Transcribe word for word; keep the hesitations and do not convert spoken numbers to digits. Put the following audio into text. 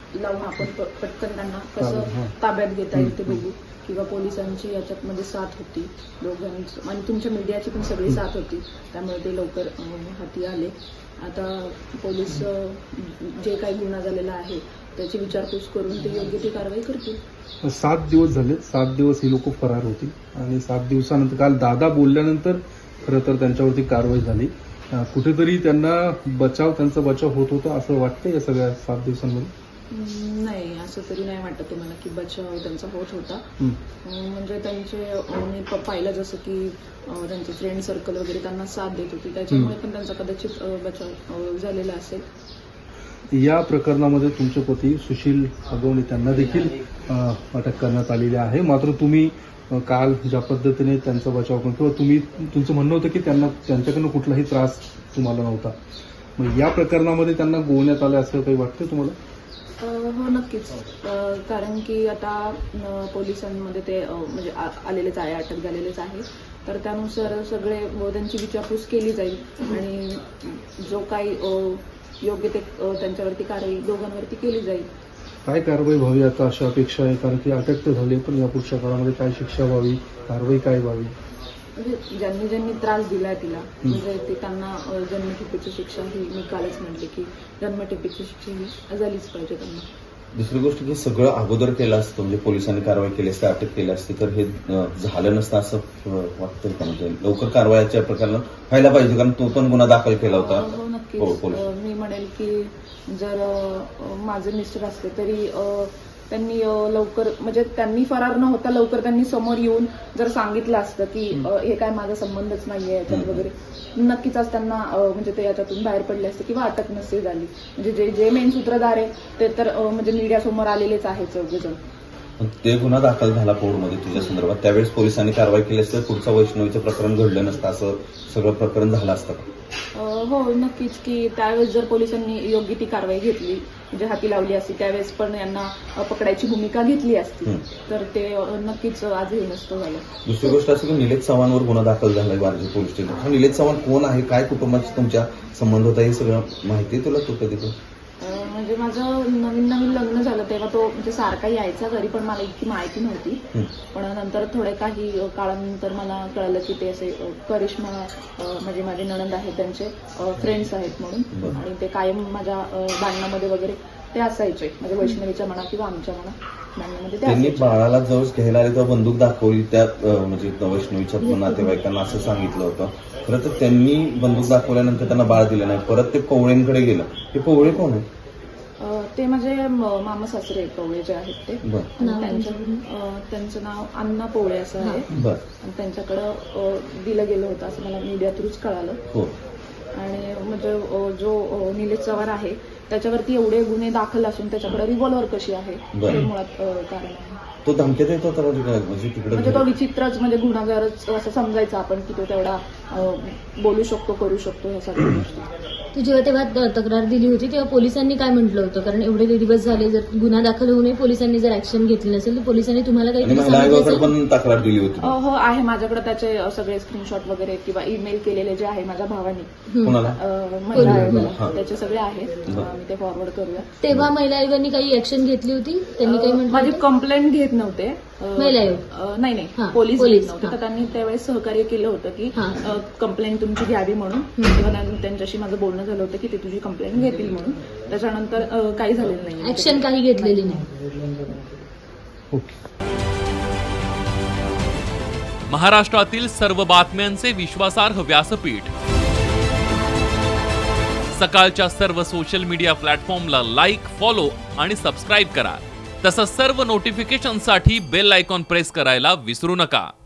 लावून आपण प- पटकन त्यांना कसं ताब्यात घेता येईल ते बघू, किंवा पोलिसांची याच्यामध्ये साथ होती दोघांची आणि तुमच्या मीडियाची पण सगळी साथ होती, त्यामुळे ते लवकर अं, हाती आले. आता पोलीस अं, जे काही गुन्हा झालेला आहे त्याची विचारपूस करून ते योग्य ती कारवाई करतील. सात दिवस झाले, सात दिवस ही लोक फरार होती आणि सात दिवसानंतर काल दादा बोलल्यानंतर खरं तर त्यांच्यावरती कारवाई झाली. अं, कुठेतरी त्यांना बचाव त्यांचा बचाव होत होता असं वाटतं या सगळ्या सात दिवसांमध्ये? हम्म, नाही, असं तरी नाही वाटत तुम्हाला की बचाव त्यांचा होत होता. हं. अं, म्हणजे त्यांचे अं, मी प- पाहिलं जसं की अं, त्यांचे फ्रेंड सर्कल वगैरे त्यांना साथ देत होती, त्याच्यामुळे पण त्यांचा कदाचित अं, बचाव अं, झालेला असेल. या प्रकरणामध्ये तुमचे पती सुशील अगवणे त्यांना देखील अं, अटक करण्यात आलेली आहे. मात्र तुम्ही अं, काल ज्या पद्धतीने त्यांचा बचाव करून किंवा तुम्ही तुमचं म्हणणं होतं की त्यांना त्यांच्याकडनं कुठलाही त्रास तुम्हाला नव्हता, मग या प्रकरणामध्ये त्यांना गोवण्यात आलं असं काही वाटतं तुम्हाला? अं, हो, नक्कीच. अं, कारण की आता अं, पोलिसांमध्ये ते अं, म्हणजे आ- आलेलेच आहे, अटक झालेलेच आहे, तर त्यानुसार सगळे अं, त्यांची विचारपूस केली जाईल आणि जो काही अं, योग्य ते अं, त्यांच्यावरती कारवाई दोघांवरती केली जाईल. काय कारवाई व्हावी आता अशा अपेक्षा आहे? कारण की अटक तर झाली, पण या पुढच्या काळामध्ये काय शिक्षा व्हावी, कारवाई काय व्हावी? म्हणजे ज्यांनी ज्यांनी त्रास दिलाय तिला, म्हणजे ते त्यांना अं, जन्मठेपेची शिक्षा ही मी कालच म्हटले की जन्मठेपेची शिक्षा ही झालीच पाहिजे त्यांना. दुसरी गोष्ट की सगळं अगोदर केलं असतं, म्हणजे पोलिसांनी कारवाई केली असते, अटक केली असते, तर हे अं, झालं नसतं असं अं, वाटतंय का? म्हणजे लवकर कारवाईच्या प्रकरणात व्हायला पाहिजे, कारण तो पण गुन्हा दाखल केला होता. हो, हो, नक्कीच. पोलीस. अं, मी म्हणेल की जर अं, माझे मिस्टर असते तरी अं, त्यांनी अं, लवकर, म्हणजे त्यांनी फरार न होता लवकर त्यांनी समोर येऊन जर सांगितलं असतं की अं, हे काय माझा संबंधच नाहीये याच्यात वगैरे, नक्कीच आज त्यांना अं, म्हणजे ते याच्यातून बाहेर पडले असते किंवा अटक नसती झाली. म्हणजे जे जे मेन सूत्रधार आहे ते तर अं, म्हणजे मीडियासमोर आलेलेच आहे चौघेजण. पण ते गुन्हा दाखल झाला कोर्टमध्ये तुझ्या संदर्भात, त्यावेळेस पोलिसांनी कारवाई केली असते, पुढचं वैष्णवीचं प्रकरण घडलं नसतं, असं सगळं प्रकरण झालं असतं का? अं, हो, नक्कीच. की त्यावेळेस जर पोलिसांनी योग्य ती कारवाई घेतली, म्हणजे हाती लावली असती, त्यावेळेस पण यांना अं, पकडायची भूमिका घेतली असती, हं. तर ते अं, नक्कीच आज हे नसतं झालं. दुसरी गोष्ट असं की निलेश चव्हाणवर गुन्हा दाखल झालाय वारजे पोलीस स्टेशन. हा निलेश चव्हाण कोण आहे, काय कुटुंबाशी तुमच्या संबंध होता, हे सगळं माहिती आहे तुला? तू कधी पण अं, म्हणजे माझं नवीन नवीन लग्न झालं तेव्हा तो म्हणजे सारखा यायचा घरी, पण मला इतकी माहिती नव्हती. हं. पण नंतर थोड्या काही अं, काळानंतर मला कळलं की ते असे अं, करिश्मा अं, म्हणजे माझे नणंद आहेत त्यांचे फ्रेंड्स आहेत म्हणून, बरं. आणि ते कायम माझ्या अं, भांडणामध्ये वगैरे ते असायचे, म्हणजे वैष्णवीच्या म्हणा किंवा आमच्या म्हणा भांडणामध्ये ते त्यांनी असायचे. बाळाला जवळ घ्यायला आले तेव्हा बंदूक दाखवली त्या अं, म्हणजे वैष्णवीच्या नातेवाईकांना असं सांगितलं होतं. खरं तर त्यांनी बंदूक दाखवल्यानंतर त्यांना बाळ दिलं नाही, परत ते पवळेंकडे गेलं. ते पवळे कोण आहे? अं, ते माझे म- मामा सासरे पवळे जे आहेत ते, बरं आणि त्यांचं अं, त्यांचं नाव अण्णा पवळे असं आहे, बरं आणि त्यांच्याकडं अं, दिलं गेलं होतं असं मला मीडिया थ्रूच कळालं. हो. आणि म्हणजे अं, जो अं, निलेश चव्हाण आहे त्याच्यावरती एवढे गुन्हे दाखल असून त्याच्याकडे रिव्हॉल्वर कशी आहे बरं. हे मुळात अं, कारण आहे. तो धमक्यात येत होता म्हणजे काय? म्हणजे म्हणजे तो तिकडे विचित्रच, म्हणजे गुन्हागारच असं समजायचं आपण की तो तेवढा अं, बोलू शकतो, करू शकतो, ह्या सगळ्या गोष्टी. तू जेव्हा तेव्हा त- तक्रार दिली होती तेव्हा पोलिसांनी काय म्हटलं होतं? कारण एवढे दिवस झाले, जर गुन्हा दाखल होऊनही पोलिसांनी जर ऍक्शन घेतली नसेल तर पोलिसांनी तुम्हाला आणि काही महिला आयोगाकडे पण तक्रार दिली होती. अं, हो, आहे माझ्याकडे त्याचे अं, सगळे स्क्रीनशॉट वगैरे किंवा ईमेल केलेले जे आहे माझ्या भावाने कोणाला? अं, महिला आयोगाला, हा. त्याचे सगळे आहेत. बरं. आम्ही ते फॉरवर्ड करूया. तेव्हा महिला आयोगाने काही ऍक्शन घेतली होती? त्यांनी काही माझी म्हटलं? कंप्लेंट घेत नव्हते. अं, महिला आयोग? अं, नाही हा, नाही पोलीस पोलीस, घेत नव्हते, हा. तर त्यांनी त्यावेळेस सहकार्य केलं होतं की हा. कंप्लेंट तुमची घ्यावी म्हणून. तेव्हा त्यां- त्यांच्याशी माझं बोलणं झालं होतं की ते तुझी कंप्लेंट घेतील म्हणून. त्याच्यानंतर अं, काही झालेलं नाही. ऍक्शन काही घेतलेली नाही. ओके. महाराष्ट्रातील सर्व बातम्यांचे विश्वासार्ह व्यासपीठ, सकाळच्या सर्व सोशल मीडिया प्लॅटफॉर्मला लाईक, फॉलो आणि सबस्क्राईब करा. तसंच सर्व नोटिफिकेशनसाठी बेल आयकॉन प्रेस करायला विसरू नका.